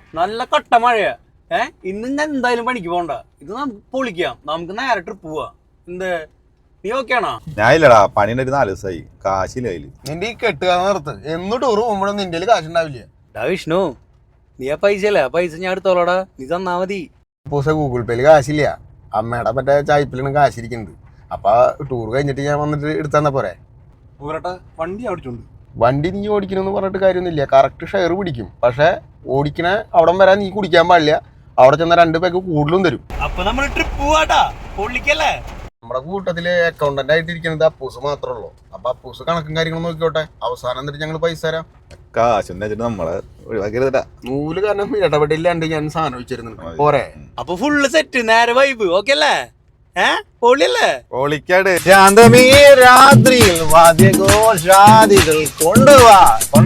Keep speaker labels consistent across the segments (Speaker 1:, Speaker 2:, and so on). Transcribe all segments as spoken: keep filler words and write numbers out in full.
Speaker 1: നല്ല കട്ട മഴയാ. ഏഹ് ഇന്ന് ഞാൻ എന്തായാലും പണിക്ക് പോകണ്ട. ഇത് നമുക്ക് പൊളിക്കാം. നമുക്ക് നേരെ ട്രിപ്പ് പോവാ. എന്ത് നീ ഓക്കെ ആണോ?
Speaker 2: ഞാൻ ഇല്ലടാ, പണിയുടെ ഒരു നാല് ദിവസമായി, കാശില്ല കയ്യില്.
Speaker 3: നിന്റെ ഈ കെട്ടുക നിർത്ത്. എന്ന് ടൂർ പോകുമ്പോഴൊന്നും നിന്റെ കാശുണ്ടാവില്ല.
Speaker 1: ഡാ വിഷ്ണു, നീ ആ പൈസ അല്ലേ, ആ പൈസ ഞാൻ എടുത്തോളാടാ, നീ തന്നാ മതി.
Speaker 3: പൂസ ഗൂഗിൾ പേയില് കാശില്ല. അമ്മയുടെ മറ്റേ ചായ്പിലാണ് കാശിരിക്കുന്നുണ്ട്. അപ്പൊ ടൂർ കഴിഞ്ഞിട്ട് ഞാൻ വന്നിട്ട് എടുത്തന്നാ പോരെ.
Speaker 4: പോരട്ടെ, വണ്ടി ഓടിച്ചോണ്ട്
Speaker 3: വണ്ടി നീ ഓടിക്കണമെന്ന് പറഞ്ഞിട്ട് കാര്യമൊന്നുമില്ല. കറക്റ്റ് ഷെയർ പിടിക്കും. പക്ഷെ ഓടിക്കണ അവിടം വരാൻ നീ കുടിക്കാൻ പാടില്ല. അവിടെ ചെന്ന രണ്ട് പേക്ക് കൂടുതലും തരും.
Speaker 1: അപ്പൊ നമ്മൾ ട്രിപ്പ് പോവാട്ടാ, പൊള്ളിക്കല്ലേ.
Speaker 3: നമ്മുടെ കൂട്ടത്തില് അക്കൗണ്ടന്റ് ആയിട്ട് ഇരിക്കുന്നത് അപ്പൂസ് മാത്രമേ ഉള്ളൂ. അപ്പൊ അപ്പൂസ് കണക്കും കാര്യങ്ങളും നോക്കിക്കോട്ടെ. അവസാനം എന്നിട്ട് ഞങ്ങൾ പൈസ തരാം.
Speaker 2: കാശൊന്നും വെച്ചിട്ട് നമ്മളെ ഒഴിവാക്കരുതടാ.
Speaker 3: നൂല് കാരണം ഇടപെടില്ലാണ്ട് ഞാൻ സാധനം വെച്ചിരുന്നുണ്ട്. പോരെ.
Speaker 1: അപ്പൊ ഫുള്ള് സെറ്റ്, നേരെ വൈബ്. ഓക്കെ അല്ലേ? ഏഹ് പൊള്ളിയല്ലേ?
Speaker 2: പൊളിക്കാട്. ശാന്തമീ രാത്രിയിൽ വാദ്യഘോഷാദികൾ കൊണ്ടുപോവാ.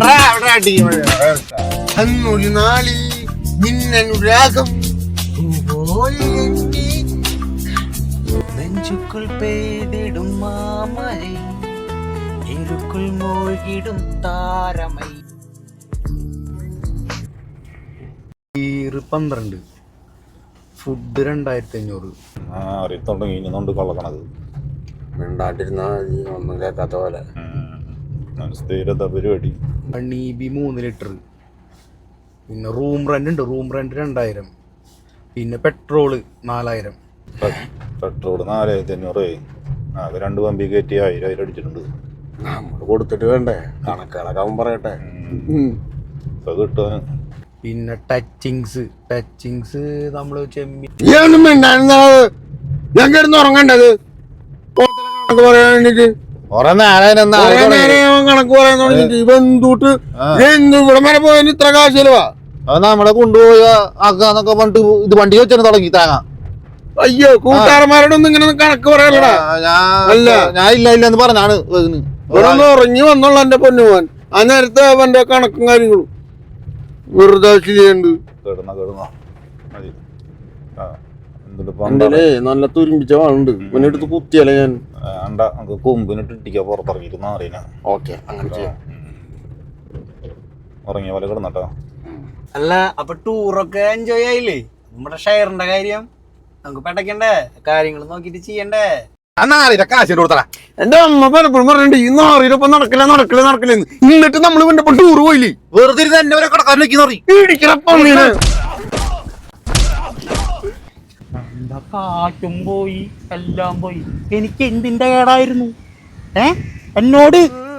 Speaker 3: അന്നൊരു നാളിൽ നിന്നനുരാഗം
Speaker 1: നെഞ്ചുക്കുൾ പെയ്തിടും മാമഴ, ഇരുക്കുൾ മൂழ்കിടും താരമൈ. പന്ത്രണ്ട് ഫുഡ് രണ്ടായിരത്തി അഞ്ഞൂറ്.
Speaker 2: ആ അറിയത്തോണ്ട് ഇനിന്നുണ്ട് കൊള്ളക്കണത്.
Speaker 3: മിണ്ടാണ്ടിരുന്നാ നീ ഒന്നും കേൾക്കാത്ത പോലെ.
Speaker 2: സ്ഥിരത പരിപാടി.
Speaker 1: ബി മൂന്ന് ലിറ്റർ. പിന്നെ റൂം റെന്റ് ഉണ്ട്. റൂം റെന്റ് രണ്ടായിരം. പിന്നെ പെട്രോള് നാലായിരം.
Speaker 2: പെട്രോള് നാലായിരത്തി അഞ്ഞൂറ്. അത് രണ്ട് പമ്പി കയറ്റി ആയിരം ആയിരം അടിച്ചിട്ടുണ്ട്.
Speaker 3: നമ്മള് കൊടുത്തിട്ട് വേണ്ടേ കണക്കുകളൊക്കെ പറയട്ടെ.
Speaker 2: അത് കിട്ടുവാന്.
Speaker 1: പിന്നെ ടച്ചിങ്സ് ടച്ചിങ്സ് നമ്മള് ചെമ്മി
Speaker 3: ഞാൻ കിടന്ന് ഉറങ്ങണ്ടത് പറയാൻ വേണ്ടിട്ട് കണക്ക് പറയാൻ തുടങ്ങിട്ട് ഇവ എന്തൂട്ട് എന്ത് ഇവിടെ വരെ പോയതിന് ഇത്ര കാശിലവാ.
Speaker 2: അത് നമ്മളെ കൊണ്ടുപോയ ആക്കാന്നൊക്കെ പറഞ്ഞിട്ട് ഇത് വണ്ടി വെച്ചാൽ തുടങ്ങി തേങ്ങ.
Speaker 3: അയ്യോ കൂട്ടുകാരന്മാരോടൊന്നും ഇങ്ങനെ കണക്ക് പറയാനടാ.
Speaker 2: അല്ല ഞാൻ ഇല്ല ഇല്ല എന്ന് പറഞ്ഞാണ്
Speaker 3: ഇവിടെ ഒന്ന് ഉറങ്ങി വന്നുള്ള എന്റെ പൊന്നുപോൻ. ആ നേരത്തെ അവന്റെ കണക്കും കാര്യങ്ങളും വെറുതെ ചെയ്യണ്ട്. നല്ല തുരുമ്പിച്ച വാളുണ്ട്. പിന്നെ എടുത്ത് കുത്തിയല്ലേ ഞാൻ.
Speaker 2: കൊമ്പിനിട്ട് ഇട്ടിക്കാ പുറത്തിറങ്ങിയിരുന്ന അറിയാ.
Speaker 3: ഓക്കെ അങ്ങനെ ചെയ്യാം.
Speaker 2: ഉറങ്ങിയ പോലെ കിടന്നട്ടോ.
Speaker 1: അല്ല അപ്പൊ ടൂറൊക്കെ എൻജോയ് ആയില്ലേ? നമ്മുടെ ഷെയറിന്റെ കാര്യം നമുക്ക് പെട്ടക്കണ്ടേ, കാര്യങ്ങൾ നോക്കിട്ട് ചെയ്യണ്ടേ.
Speaker 2: കാശ് കൊടുത്തടാ.
Speaker 3: എന്റെ അമ്മ പലപ്പോഴും പറഞ്ഞിട്ട് ഈ നാറിയിലൊപ്പം നടക്കില്ല നടക്കില്ല നടക്കില്ലെന്ന്. എന്നിട്ട് നമ്മൾ ഇവന്റെ ടൂർ പോയില്ലേ?
Speaker 2: വെറുതെ എന്നെ കടക്കാരിലേക്ക്
Speaker 1: കാറ്റും പോയി എല്ലാം പോയി. എനിക്ക് എന്തിന്റെ കേടായിരുന്നു? ഏ എന്നോട്